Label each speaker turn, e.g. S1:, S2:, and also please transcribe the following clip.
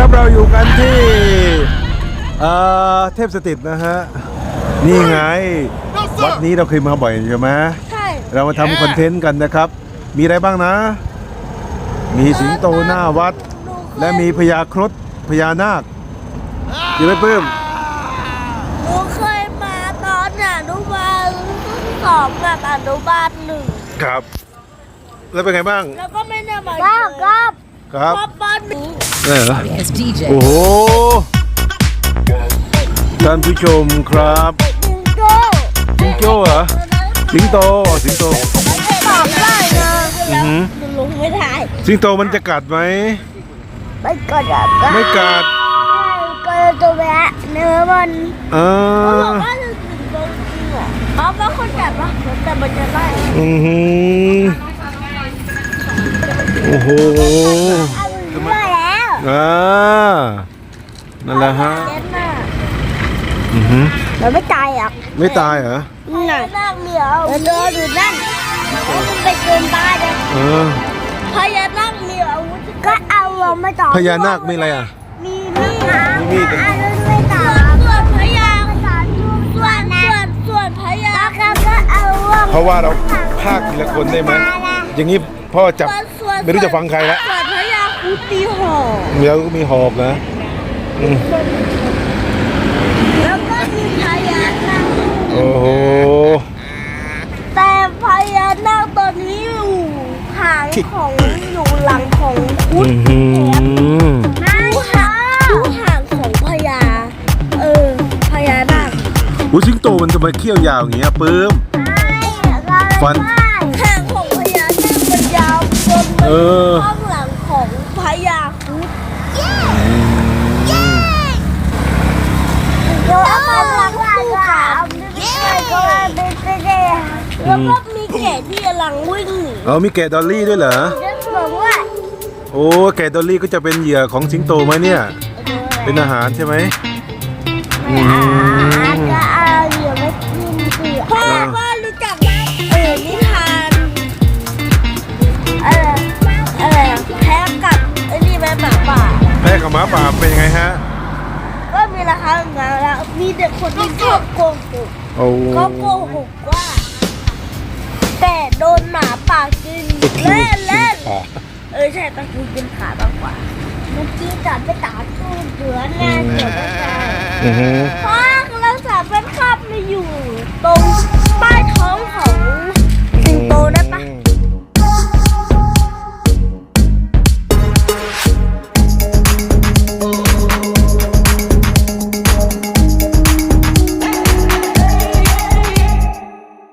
S1: เราอยู่กันที่เทพสถิตนะฮะนี่ไงวัดนี้เราเคยมาบ่อยใช่ไหม
S2: ใช่
S1: เรามาทำคอนเทนต์กันนะครับมีอะไรบ้างนะ มีสิงโตหน้าวัดและมีพญาครุฑพญานาคอยู่ไหมปื้ม
S2: หนูเคยมาตอนอนุบาลสองกับอนุบาลหนึ่ง
S1: ครับแล้วเป็นไงบ้าง
S2: แล้วก็ไม่ได้มาครับ
S1: ครับ
S2: ปอนหนึ่ง
S1: เหรอโอ้โหท่านผู้ชมครับ
S2: สิงโต
S1: เหรอสิงโต
S2: ตอบได้นะลงไม่ได้
S1: สิงโตมันจะกัดไหม
S2: ไม่กัด
S1: ไม่กัด
S2: ก็ตัวแบะเนื้อมันเขาบอกว่าจะสิงโตจริงเหรอเขาเป็นคนจัดปะแต่มันจะไล่
S1: โอ้โห
S2: ได้แล้ว
S1: นั่นแหละฮะ
S2: มันไม่ตายอ่ะ
S1: ไม่ตายเหรอ
S2: นั่งเหลียวเดินอยู่นั่นมันไปเกินบ้านเลยพญานาคมีอาวุธก็เอาเราไม่ต่อ
S1: พญานาคมีอะไรอ่ะ
S2: มีมีดไม่ต่อส่วนพญาส่วนพญาก็เอา
S1: เพราะว่าเราพากทีละคนได้ไหมอย่างนี้พ่อจับไม่รู้จะฟังใครละ
S2: ส่วนพญาคูตีหอก
S1: แล้วก็มีหอกนะ
S2: แล้วก็มีพญานาค
S1: โอ้โห
S2: แต่พญานาคตอนนี้อยู่หางของอยู่หลังของคุดดูหางของพญาพญานาค
S1: สิงโตมันทำไมเขี้ยวยาวอย่างเงี้ยปื้มฟัน
S2: หางของพญานาคมันยาวจนมันข้างหลังของพญาคุดแล้วมันหลังคู่ขาแล้วก็มีแกะที่กำลังวิ่งหนี
S1: มีแกะดอลลี่ด้วยเหรอ
S2: บอกว่า
S1: โอ้แกะดอลลี่ก็จะเป็นเหยื่อของสิงโตไหมเนี่ยเป็นอาหารใช่ไหม
S2: ก็เอาเหยื่อมากินสิพ่อรู้จักไหมนิทานอะไรแพ้กับนี่แม่หมาป่า
S1: แพ้กับหมาป่าเป็นยังไงฮะ
S2: ก็มีราคาเงินแล้วมีเด็กคนที่ชอบโกหกก็โกหกว่าแต่โดนหมาป่ากินเล่นใช่ตะกี้กินขามากกว่าเมื่อกี้จัดไปตาตู้เดือนแน่เดี๋ยวไม่ใช่เพราะเราสามเป็นคาบมาอยู่ตรงใต้ท้องของ